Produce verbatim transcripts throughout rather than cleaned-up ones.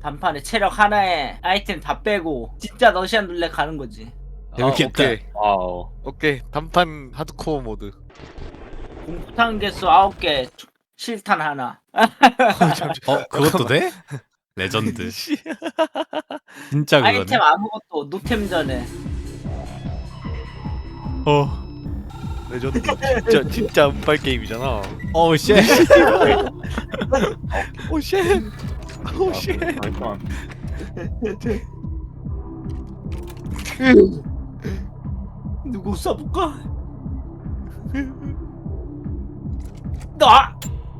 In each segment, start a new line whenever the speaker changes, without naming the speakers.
단판에 체력 하나에 아이템 다 빼고 진짜 러시안 룰렛 가는 거지.
재밌겠다.
오케이.
와우.
오케이. 단판 하드코어 모드.
공포탄 개수 아홉 개, 실탄 하나.
어 그것도 돼? 레전드. 진짜 그거네.
아이템 아무것도 노템전에.
어.
레전드. 진짜 진짜 운빨 게임이잖아.
어 쉣.
오 쉣. 오 쉣.
잠깐만.
누구 쏴볼까? 나.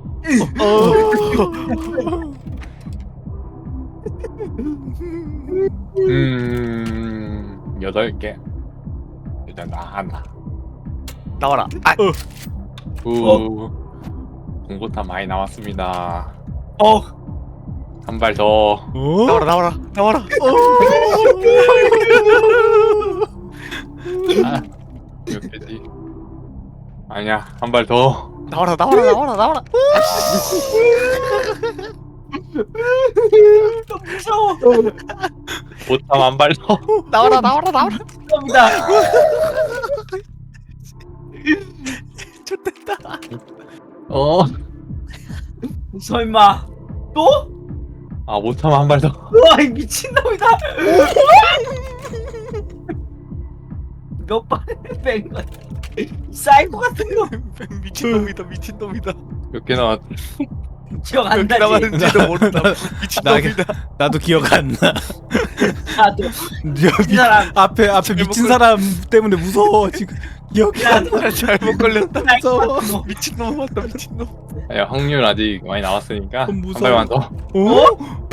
음 여덟 개. 일단 나 하나.
나와라. 아.
우. 공보탄 많이 나왔습니다.
어.
한 발 더.
어?
나와라 나와라 나와라.
아, 몇 개지? 아니야, 한 발 더.
나와라 나와라 나와라 나와라.
너무 무서워.
보탐 한 발 더.
나와라 나와라 나와라.
감사합니다.
좋됐다.
어.
설마 또?
아, 보탐 한 발 더.
우와 이 미친놈이다. 몇 번을 뺀 거야? 사이코 같은 거
미친놈이다 미친놈이다.
몇 개 나왔?
기억 안
몇 개
나지?
남았는지도 모른다.
나,
미친놈이다.
나도 기억 안 나.
나도
미,
사람.
앞에 앞에 미친 사람 때문에 무서워 지금. 기억이 안 나.
잘못 걸렸다.
무서워.
미친놈 맞다 미친놈.
야, 확률 아직 많이 남았으니까
그럼
한
무서워.
발만 더.
어?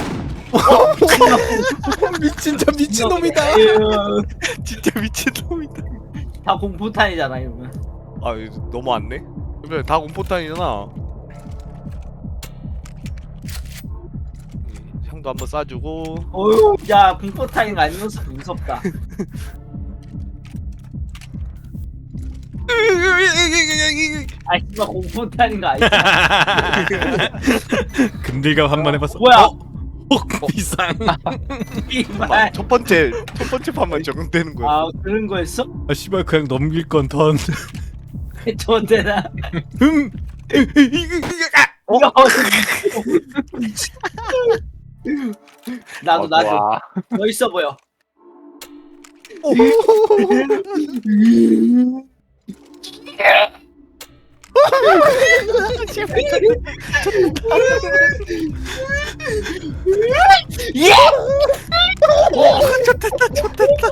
미친 저 미친 놈이다.
진짜 미친놈이다.
다 공포탄이잖아 이러면.
아 이거 너무 많네. 그러면 다 공포탄이잖아. 음, 향도 한번 쏴주고.
어휴 야 공포탄인 거 아니면서 무섭다. 아 씨발 공포탄인 거 아니야?
금들갑 한 번 해봤어.
뭐야?
어? 어? 비상.
이말.
첫 번째 첫 번째 판만 적용되는 거야.
아 그런 거였어?
아 씨발 그냥 넘길 건 던.
좋대나.
음.
어? 나도
어,
나도
좋아.
멋있어 보여. 예!
좋됐다 좋됐다.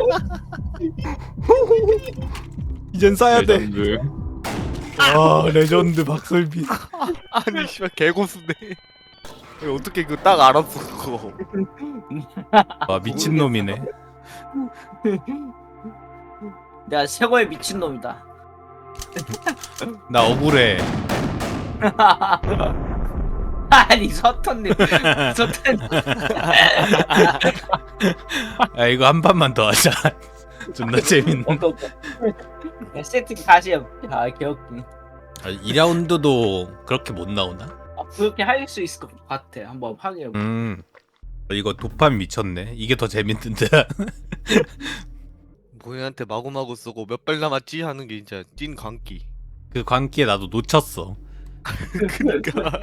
이젠 쏴야 돼.
레전드.
아 레전드 박설비.
아니 씨발 개고수네. 이거 어떻게 그거 딱 알았어 그거.
와 미친 놈이네.
내가 최고의 미친 놈이다.
나 억울해.
아니 서턴님, 서턴.
아 이거 한 판만 더 하자. 존나 재밌는.
세팅 다시 해. 아 개웃기.
아, 이 라운드도 그렇게 못 나오나?
아, 그렇게 할 수 있을 것 같아. 한번 확인해.
음. 이거 도파민 미쳤네. 이게 더 재밌는데.
모해한테 마구마구 쏘고 몇 발 남았지 하는 게 진짜 찐 광기.
그 광기에 나도 놓쳤어.
그니까.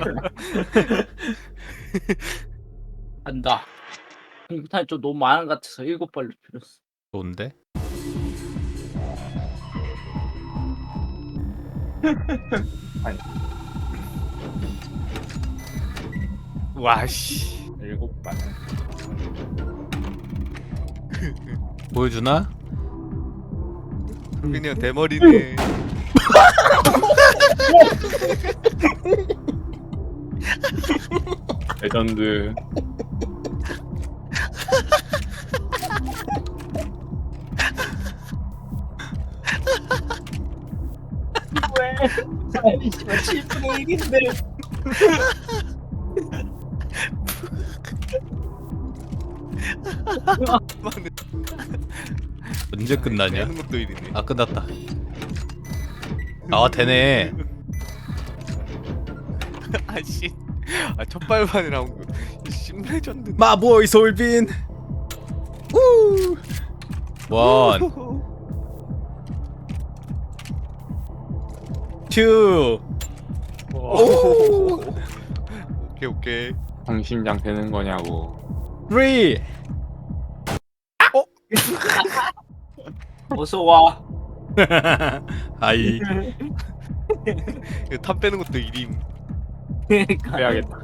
간다. 공포탄이 좀 너무 많은 것 같아서 일곱 발로 줄였어.
좋은데?
와씨.
일곱 발.
보여주나?
그냥 대머리네.
레전드.
왜? 아니 씨발 칠분의 일인데.
언제 끝나냐?
하는 것도 이리네.
아 끝났다. 아 되네.
아씨. 아 첫 발만에 나온 거. 심레전드.
마보이 솔빈. 우. 원, 투.
오. 오케이 오케이.
방심장 되는 거냐고.
쓰리.
어서 와.
아이.
이거 탑 빼는 것도 일임.
그러니까.
빼야겠다.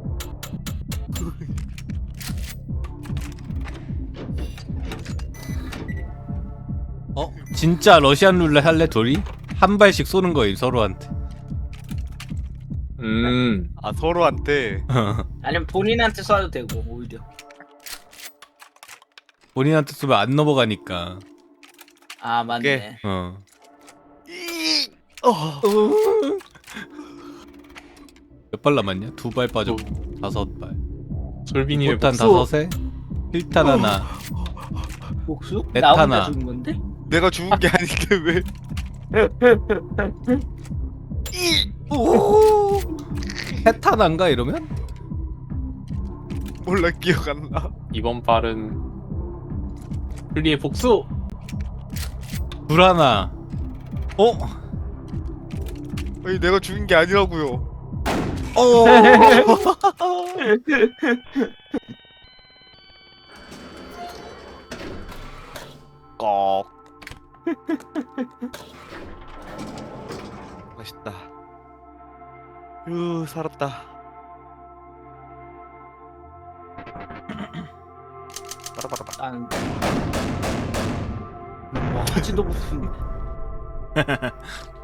어? 진짜 러시안 룰렛 할래 둘이? 한 발씩 쏘는 거임 서로한테.
음.
아 서로한테.
아니면 본인한테 쏴도 되고 오히려.
본인한테 쏘면 안 넘어가니까.
아 맞네.
어.
이. 어.
몇 발 남았냐? 두 발 빠졌고 다섯 발.
솔빈이의
포탄
복수.
다섯에 필탄 하나.
복수?
넷
나 혼자
하나.
죽은 건데?
내가 죽은 게 아닌데 왜?
오. 해탄한가 이러면?
몰라 기억 안 나.
이번 발은 플리의 복수.
불 하나. 어?
아니 내가 죽인 게 아니라고요.
어.
꺽. 맛있다. 휴 살았다. 빠라바라바.
난. 뭐 하지도 못했네.